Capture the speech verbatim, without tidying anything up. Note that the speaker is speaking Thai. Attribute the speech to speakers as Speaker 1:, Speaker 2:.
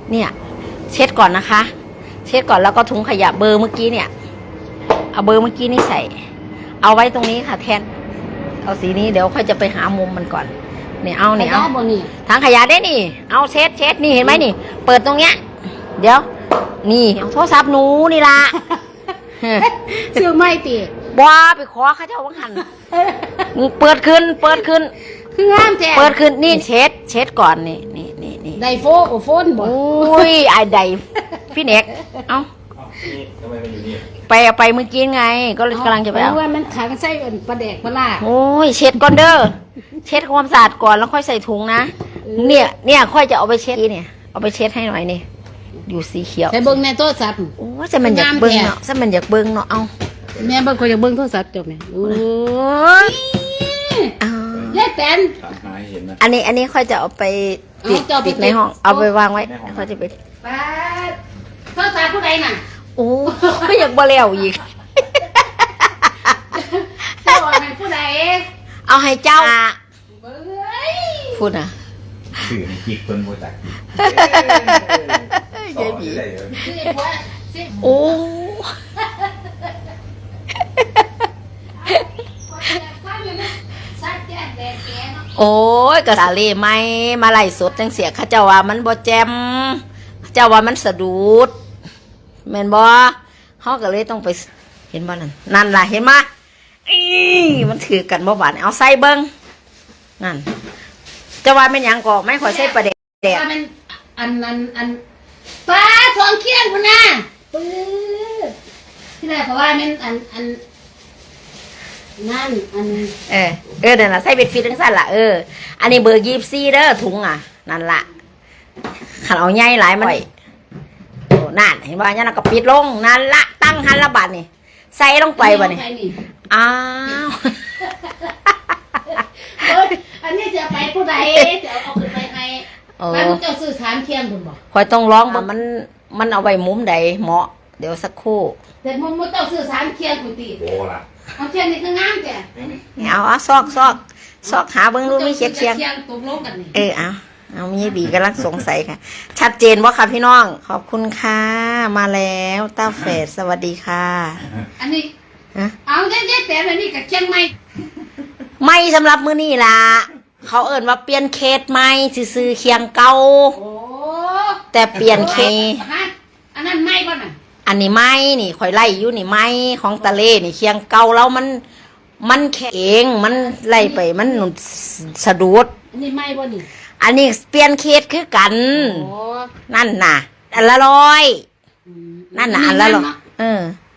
Speaker 1: เนี่ยเช็ดก่อนนะคะ เช็ดก่อนแล้วก็ถุงขยะเบอร์เมื่อกี้เนี่ยเอาเบอร์เมื่อกี้นี่ใส่เอาไว้ตรงนี้ค่ะแทนเอาสีนี้เดี๋ยวค่อยจะไปหามุมมันก่อนเนี่ยเอาเนี่ยเอาถังขยะได้นี่เอาเช็ดเช็ดนี่เห็นไหมนี่เปิดตรงเนี้ยเดี๋ยวนี่เอาโทรศัพท์หนูนี่ละ
Speaker 2: ซื้อไม่ตี
Speaker 1: บ้าไปขอข้าเจ้าวังหันเปิดขึ้นเปิดขึ้น
Speaker 2: คืองามแท้
Speaker 1: เปิดขึ้นนี่เช็ดเช็ดก่อนนี่นี่นี่นี่
Speaker 2: ไดโฟโอโฟนบ่
Speaker 1: โอ้ยไอไดพี่เน็กเอ้า
Speaker 3: ทำไมมันอยู่นี่
Speaker 1: ไปเอาไปเมื่อกี้ไงก็เลยกำลังจะไปเอา
Speaker 2: ว่ามันขังใส่ปลาแดกปลาล่า
Speaker 1: โอ้ยเช็ดก่อนเด้อเช็ดความสะอาดก่อนแล้วค่อยใส่ถุงนะเนี่ยเนี่ยค่อยจะเอาไปเช็ดเนี่ยเอาไปเช็ดให้หน่อยนี่อยู่สีเขียว
Speaker 2: ใส่เบิ้งในโทรศัพท์
Speaker 1: โอ้จะมันอยากเบิ้งเนาะจะมันอยากเบิ้งเนาะเอา
Speaker 2: แม่เบิ้งก็อยากเบิ้งโทรศัพท์จบเนี่ยโอ้ยเย้แตน
Speaker 1: อันนี้อันนี้ค่อยจะเอาไปติดติดในห้องเอาไปวางไว้ค่อยจะไป
Speaker 2: ป้าโทรศัพท์ผู้ใดน่ะ
Speaker 1: โอ้ไม่อยากบ่แล้วอีก
Speaker 2: เจ้าให้ผู้ใด
Speaker 1: เอาให้เจ้าพูดนะ
Speaker 3: สื่อจิกคนโมจัก
Speaker 1: ยายบีโอ้โอ้ยกระสาเล่ไม่มาไล่สดจังเสียข้าเจ้าว่ามันบ่แจมเจ้าว่ามันสะดุดแม่นบ่เขาก็เลยต้องไปเห็นบ่นั่นนั่นล่ะเห็นมั้ยอีมันถือกันบ่บาดเอาใส่เบิ่งนั่นจะว่าเป็นหยังก็ไม่ขอใส่ประเด็ดแดด
Speaker 2: อันอันอันปลาสองเคียงพุ่นน่ะปื้อที่แรกเพราะว่ามันอันอันนั่นอัน
Speaker 1: เออเออนั่นล่ะใส่เบ็ดฟีทั้งสั้นล่ะเอออันนี้เบอร์ยี่สิบสี่เด้อถุงอ่ะนั่นล่ะขันเอาใหญ่หลายมันโอ้นั่นเห็นบ่ยันก็ปิดลงนั่นละตั้งหันละบาทนี่ใส่ลงไปบ่นี่อ้าว
Speaker 2: อันนี้จะไปผู้ใดจะเอาขึ้นไปให้ไปมึงเจ้าซื้อสามเคียงคุณบอก
Speaker 1: คอยต้องร้องว่ามันมันเอาไว้มุมใดเหมาะเดี๋ยวสักครู่
Speaker 2: แต่มึงมึงเจ้าซื้อสามเคียงคุณตี
Speaker 3: โอ้ล่ะ
Speaker 2: เอาเคียงนี่คืองามแก
Speaker 1: เอาอ่ะซอกซอกซอกหาเบิ้งรู้มีเคียงเคียง
Speaker 2: ตกลงกันนี่
Speaker 1: เออเอาเอามีบีกำลังสงสัยค่ะชัดเจนว่าค่ะพี่น้องขอบคุณค่ะมาแล้วต้าเฟสสวัสดีค่ะ
Speaker 2: อันนี้เอาเจ๊ๆแต่อันนี้กับเคียงไม่
Speaker 1: ไม่สำหรับมื้อนี้ล่ะเขาเอิ่นว่าเปลี่ยนเคสใหม่ซื้อเคียงเก่าแต่เปลี่ยนเค
Speaker 2: อันนั้นไม่ป่ะน่ะ
Speaker 1: อันนี้ไม่นี่ข่อยไล่อยู่นี่ไม่ของตะเลนี่เคียงเก่าแล้วมันมันแข็งมันไล่ไปมันสะดุด
Speaker 2: อันนี้ไม่ป่ะนี่
Speaker 1: อันนี้เปลี่ยนเคสคือกันนั่นน่ะอันละร้อยนั่นน่ะอันละร้อยเออ